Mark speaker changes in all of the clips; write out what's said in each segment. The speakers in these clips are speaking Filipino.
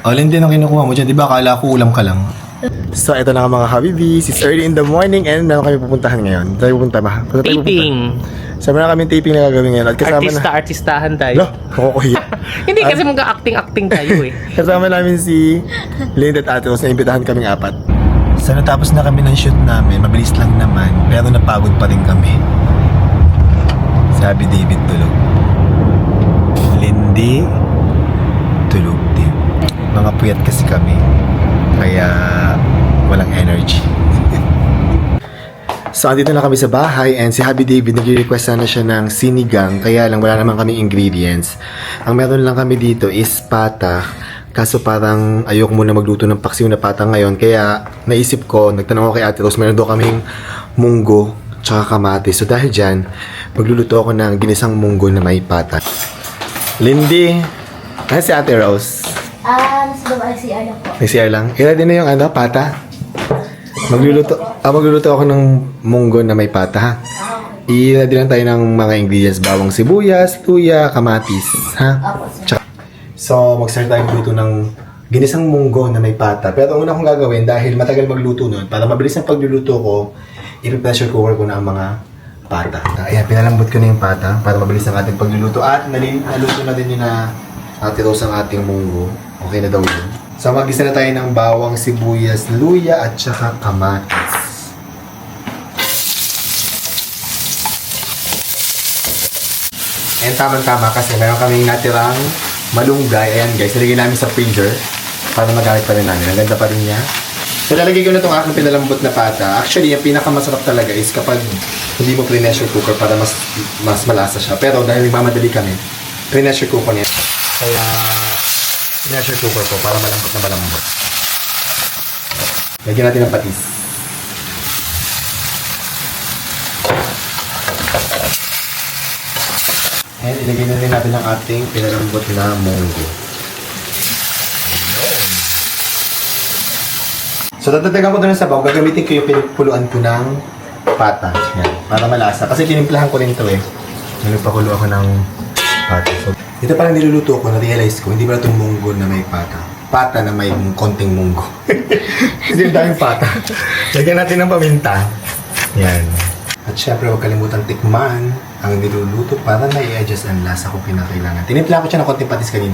Speaker 1: Alin din ang kinukuha mo dyan. Di ba akala ko ulam ka lang? So, ito na nga mga Habibis. It's early in the morning and meron kami pupuntahan ngayon. Tayo pupunta ba?
Speaker 2: Taping.
Speaker 1: So, meron kami taping na gagawin ngayon. At kasama
Speaker 2: Artistahan tayo.
Speaker 1: Lo, makukuhiya.
Speaker 2: Hindi kasi mag-acting-acting tayo eh.
Speaker 1: Kasama namin si Linda at Ate Rose na imbitahan kaming apat. So, natapos na kami ng shoot namin. Mabilis lang naman. Pero napagod pa rin kami. Sabi David tulog. Lindy tulog din. Mga puyat kasi kami. Kaya walang energy. So, andito na kami sa bahay and si Happy David nag-request na siya ng sinigang. Kaya lang wala naman kami ingredients. Ang meron lang kami dito is pata. Kaso parang ayoko muna magluto ng paksiw na pata ngayon. Kaya naisip ko, nagtanong ako kay Ate Rose, meron daw kaming munggo tsaka kamatis. So dahil dyan, magluluto ako ng ginisang munggo na may pata. Lindy, ano si Ate Rose?
Speaker 3: Nasa baba ay CR lang po.
Speaker 1: CR lang? I-ready na yung pata? Magluluto ako ng munggo na may pata, ha? I-ready lang tayo ng mga ingredients. Bawang sibuyas, luya, kamatis, ha? Tsaka. So, mag-start tayo magluto ng ginisang munggo na may pata. Pero ang una kong gagawin, dahil matagal magluto nun, para mabilis ang pagluluto ko, i-pressure cooker ko na ang mga pata. Ayan, pinalambot ko na yung pata para mabilis ang ating pagluluto. At naluto na din yun na Ate Rose ang ating munggo. Okay na daw yun. So, mag-isa na tayo ng bawang, sibuyas, luya, at saka kamatis. And tama-tama kasi meron kaming natirang malunggay. Ayan guys, nilagay namin sa freezer para magamit pa rin namin. Ang ganda pa rin niya. So, lalagay ko na itong aking pinalambot na pata. Actually, yung pinakamasarap talaga is kapag hindi mo pre-pressure cooker para mas malasa siya. Pero dahil nagmamadali kami, pre-pressure cooker niya. Kaya, pressure cooker ko para malambot na malambot. Lagyan natin ng patis. And ilagay na rin natin ang ating pinalambot na munggo. So, tatatagan ko doon ng sabaw. Gagamitin ko yung pinupuluan ko ng pata. Yan, para malasa. Kasi tinimplahan ko rin ito eh. Nagpakulo ako ng pata. So, ito parang niluluto ko, na-realize ko, hindi ba itong munggo na may pata? Pata na may konting munggo. Kasi yung daming pata. Lagyan natin ng paminta. Yan. At syempre, huwag kalimutan tikman ang niluluto para na i-adjust ang lasa kung pinakailangan. Tinimpla ko siya ng konting patis kanina.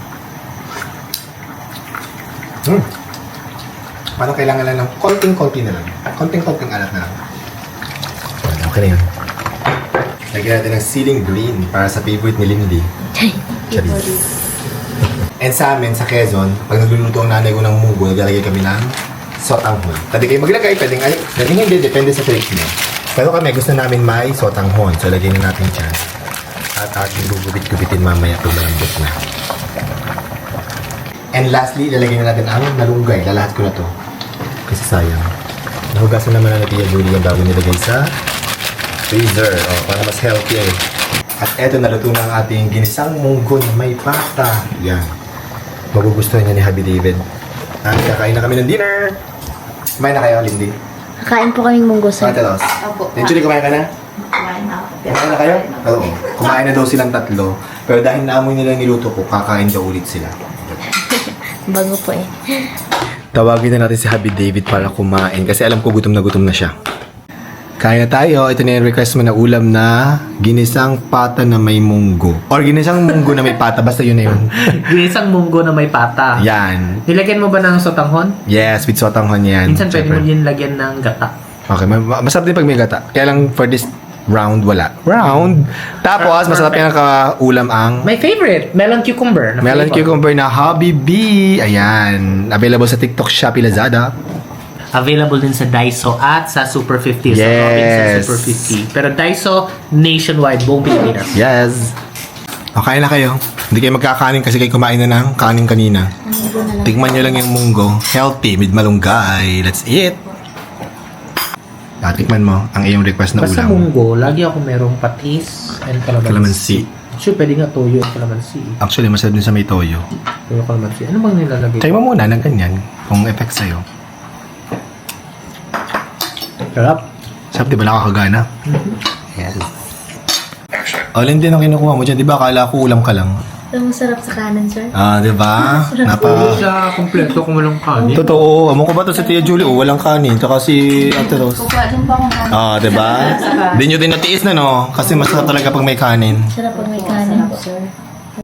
Speaker 1: Parang kailangan lang ng konting-konti na lang. Konting-konting alat na lang. Okay na yun. Lagyan natin ng ceiling green para sa favorite ni Lindy. Charis. And sa amin, sa Quezon, pag nagluluto ang nanay ko ng munggo, naglalagay kami ng sotanghon. Pwede kayo maglagay, pwedeng hindi, depende sa trick niyo. Pero kami, gusto namin may sotanghon. So, lagyan na natin dyan. At ating gugupit-gupitin mamaya pag malambot na. And lastly, ilalagay na natin ang malunggay. Lalahat ko na to. Kasi sayang. Nahugasan naman na Tia Julie yung bago nilagay sa freezer. O, para mas healthy eh. At eto, naluto na ang ating ginisang munggo na may pata. Yan. Magugustuhan niya ni Happy David. At kakain na kami ng dinner. Kumain na kayo, Lindy?
Speaker 3: Kakain po kaming munggo sa...
Speaker 1: Ate Ros.
Speaker 3: Opo.
Speaker 1: Julie, kumain ka na?
Speaker 3: Kumain na ako.
Speaker 1: Kumain na kayo? Oo. Kumain na daw silang tatlo. Pero dahil naamoy nila yung niluto ko, kakain daw ulit sila.
Speaker 3: Bago po eh.
Speaker 1: Tawagin na natin si Happy David para kumain kasi alam ko gutom na siya. Kain na tayo. Ito na yung request mo na ulam na ginisang pata na may munggo. Or ginisang munggo na may pata. Basta yun na yun.
Speaker 2: Ginisang munggo na may pata.
Speaker 1: Yan.
Speaker 2: Nilagyan mo ba ng sotanghon?
Speaker 1: Yes, with sotanghon yan.
Speaker 2: Minsan pwede mo din lagyan ng gata.
Speaker 1: Okay, masarap din pag may gata. Kaya lang for this round, wala. Tapos, masarap yan kaulam ang
Speaker 2: My favorite, melon cucumber.
Speaker 1: melon cucumber na Hobby Bee. Ayan. Available sa TikTok, Shopee, Lazada.
Speaker 2: Available din sa Daiso at sa Super 50. Sa
Speaker 1: Yes.
Speaker 2: Robinson Super 50. Pero Daiso, nationwide, buong Pilipinas.
Speaker 1: Yes. Okay na kayo. Hindi kayo magkakanin kasi kayo kumain na ng kanin kanina. Tigman nyo lang yung munggo. Healthy with malunggay. Let's eat. Tikman mo ang iyong request na
Speaker 2: Basta
Speaker 1: ulam.
Speaker 2: munggo, lagi ako merong patis and calamansi.
Speaker 1: Calamansi.
Speaker 2: Sure, pwede nga toyo at calamansi.
Speaker 1: Actually, masarap din sa may toyo.
Speaker 2: Toyo calamansi. Ano bang nilalagay?
Speaker 1: Try mo muna ng ganyan kung effect sa'yo.
Speaker 2: Sarap.
Speaker 1: Sarap, di ba nakakagana? Yes. Alin din ang kinukuha mo dyan. Di ba akala ko ulam ka lang?
Speaker 3: Ito masarap sa kanan, sir.
Speaker 1: Ah, di ba?
Speaker 2: Sa kompleto kung walang kanin.
Speaker 1: Totoo. Amo ko ba to si Tia Julie? Oh, walang kanin. Tsaka si Ate Rose.
Speaker 3: Kukuha din po akong kanin.
Speaker 1: Ah, di ba? Di nyo din natiis na, no? Kasi masarap talaga pag may kanin.
Speaker 3: Sarap pag may kanin po, sir.